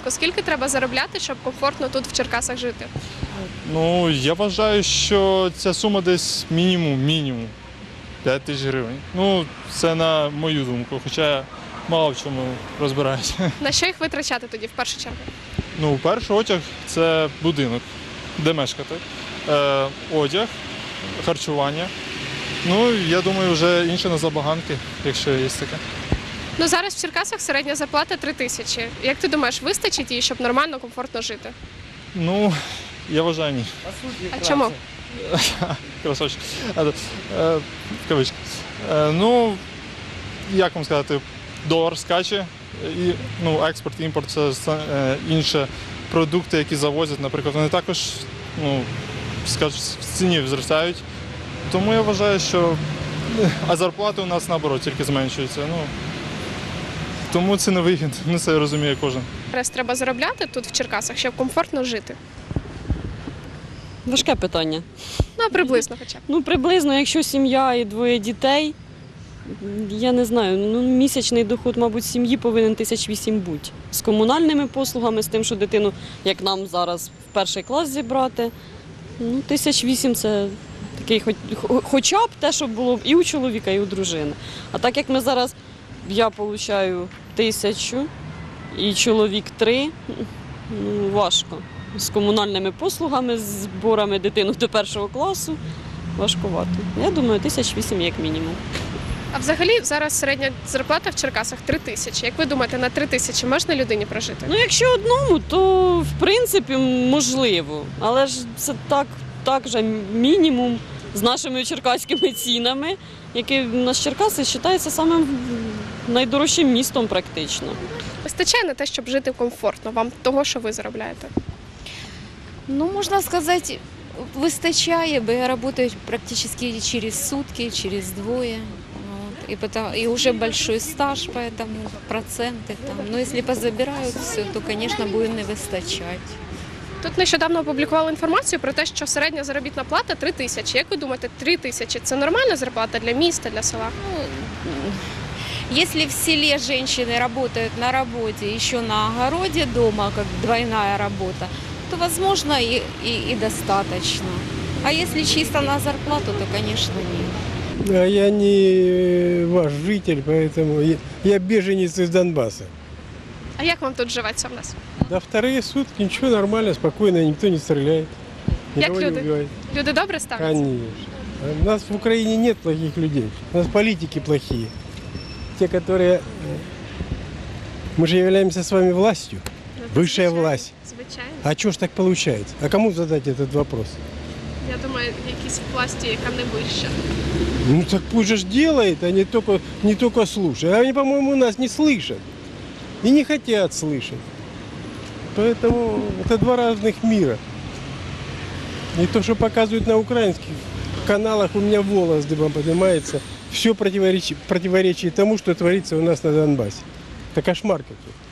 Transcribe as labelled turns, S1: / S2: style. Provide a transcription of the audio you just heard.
S1: Скільки треба заробляти, щоб комфортно тут в Черкасах жити?
S2: Ну, я вважаю, що ця сума десь мінімум 5 тисяч гривень. Ну, це на мою думку, хоча я мало в чому розбираюся.
S1: На що їх витрачати тоді в першу чергу?
S2: Ну, перший одяг – це будинок, де мешкати, одяг, харчування. Ну, я думаю, вже інше на забаганки, якщо є таке.
S1: Ну зараз в Черкасах середня зарплата 3 тисячі. Як ти думаєш, вистачить її, щоб нормально, комфортно жити?
S2: Ну, я вважаю, ні.
S1: А чому?
S2: Красавчик. В кавички. Ну, як вам сказати, долар скаче, і експорт, імпорт – це інші продукти, які завозять, наприклад, вони також в ціні зростають. Тому я вважаю, що зарплати у нас, наоборот, тільки зменшуються. Тому це не вигідно, це розуміє кожен.
S1: Зараз треба заробляти тут в Черкасах, щоб комфортно жити.
S3: Важке питання.
S1: Ну, приблизно хоча б.
S3: Ну, приблизно, якщо сім'я і 2 дітей, я не знаю, місячний доход, мабуть, сім'ї повинен 8 000 бути. З комунальними послугами, з тим, що дитину, як нам зараз, в перший клас зібрати. 8 000 – це такий, хоча б те, що було і у чоловіка, і у дружини. А так як ми зараз, я отримую 1000 і чоловік 3, важко. З комунальними послугами, з зборами дитину до 1 класу важкувато. Я думаю, 8 000 як мінімум.
S1: А взагалі зараз середня зарплата в Черкасах 3 тисячі. Як ви думаєте, на 3 тисячі можна людині прожити?
S3: Ну, якщо одному, то в принципі можливо. Але ж це так же мінімум з нашими черкаськими цінами, які в нас Черкаси вважаються самим найдорожчим містом практично.
S1: Вистачає на те, щоб жити комфортно вам того, що ви заробляєте?
S4: Ну, можно сказать, выстачає, бо я работаю практически через сутки, через двое. Вот. И уже большой стаж, поэтому проценты там. Но если позабирают все, то, конечно, будет не вистачать.
S1: Тут нещодавно опублікували інформацію про те, що середня заробітна плата 3 тисячі. Як ви думаєте, 3 тисячі – це нормальна зарплата для міста, для села?
S4: Если в селе женщины работают на работе, еще на огороде дома, как двойная работа, то, возможно, и достаточно. А если чисто на зарплату, то, конечно, нет.
S5: А я не ваш житель, поэтому я беженец из Донбасса.
S1: А як вам тут живеться в нас?
S5: Да вторые сутки ничего, нормально, спокойно, никто не стреляет, никого не
S1: люди?
S5: убивает.
S1: Люди добре ставляться?
S5: Конечно. У нас в Украине нет плохих людей, у нас политики плохие. Те, которые... Мы же являемся с вами властью, высшая власть.
S1: Звичайно.
S5: А что ж так получается? А кому задать этот вопрос?
S1: Я думаю, якісь власті, яка не вища.
S5: Ну так пусть же ж делает, а не только слушает. Они, по-моему, нас не слышат и не хотят слышать. Поэтому это два разных мира. И то, что показывают на украинских каналах, у меня волос дыбом поднимается. Все противоречит тому, что творится у нас на Донбассе. Это кошмар какой-то.